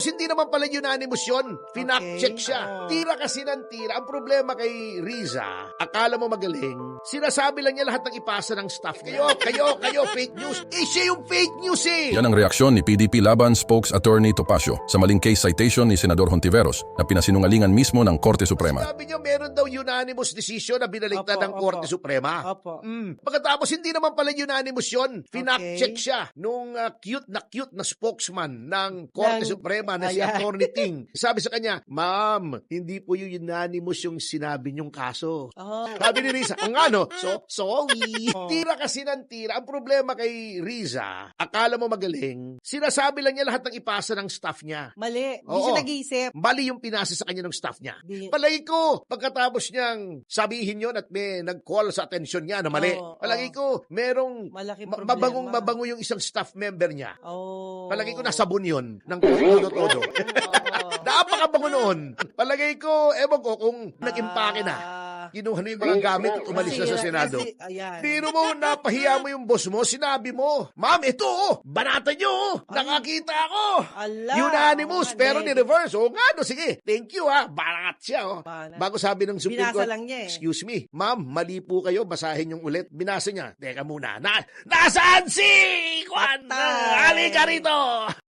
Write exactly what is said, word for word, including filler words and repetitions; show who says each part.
Speaker 1: Hindi naman pala unanimous yun. Finak-check
Speaker 2: Okay.
Speaker 1: siya.
Speaker 2: Oo.
Speaker 1: Tira kasi ng tira. Ang problema kay Riza, akala mo magaling, sinasabi lang niya lahat ng ipasa ng staff. Kayo, kayo, kayo, fake news. Eh, siya yung fake news eh.
Speaker 3: Yan ang reaksyon ni P D P Laban Spokes Attorney Topacio sa maling case citation ni Senador Hontiveros na pinasinungalingan mismo ng Korte Suprema.
Speaker 1: Sabi niyo, meron daw unanimous decision na binaligtad
Speaker 2: Opo,
Speaker 1: ng
Speaker 2: opo.
Speaker 1: Korte Suprema.
Speaker 2: Opo.
Speaker 1: Mm. Pagkatapos, hindi naman pala unanimous yun. Finak-check
Speaker 2: Okay.
Speaker 1: siya nung ah, cute na cute na spokesman ng Korte
Speaker 2: Ng-
Speaker 1: Suprema na si
Speaker 2: Ayan.
Speaker 1: Attorney Ting. Sabi sa kanya, Ma'am, hindi po yung unanimous yung sinabi niyong kaso.
Speaker 2: Oh.
Speaker 1: Sabi ni Riza, ang ano, so, sorry.
Speaker 2: Oh.
Speaker 1: Tira kasi ng tira. Ang problema kay Riza, akala mo magaling, sinasabi lang niya lahat ng ipasa ng staff niya.
Speaker 2: Mali. Hindi
Speaker 1: Oo.
Speaker 2: siya nag-iisip.
Speaker 1: Mali yung pinasa sa kanya ng staff niya.
Speaker 2: Di-
Speaker 1: Palagi ko, pagkatapos niyang sabihin yun at may nag-call sa atensyon niya na mali,
Speaker 2: Oo,
Speaker 1: palagi
Speaker 2: oo.
Speaker 1: ko, merong
Speaker 2: Malaking
Speaker 1: ma-
Speaker 2: problema.
Speaker 1: mabangong mabango yung isang staff member niya.
Speaker 2: Oh.
Speaker 1: Palagi ko nasabon yun ng todo-todo.
Speaker 2: Oo.
Speaker 1: Napakabango noon. Palagay ko, ewan ko kung nag-impake na.
Speaker 2: Ah.
Speaker 1: Kinuha na yung mga gamit at umalis na sa
Speaker 2: Kasi-
Speaker 1: Senado.
Speaker 2: kasi- ayan.
Speaker 1: Biro mo, napahiya mo yung boss mo, sinabi mo, Ma'am, ito oh, banata nyo oh, nakakita ako.
Speaker 2: Ala.
Speaker 1: Unanimous,
Speaker 2: Oo nga,
Speaker 1: pero
Speaker 2: Ned.
Speaker 1: ni-reverse. Oo nga, no, sige, thank you ha, banat siya oh.
Speaker 2: Banat.
Speaker 1: Bago sabi ng Supreme
Speaker 2: Binasa
Speaker 1: Court,
Speaker 2: lang niya eh.
Speaker 1: excuse me, Ma'am, mali po kayo, basahin yung ulit. Binasa niya, teka muna, na, nasaan si Juan?
Speaker 2: Patay.
Speaker 1: Halika rito!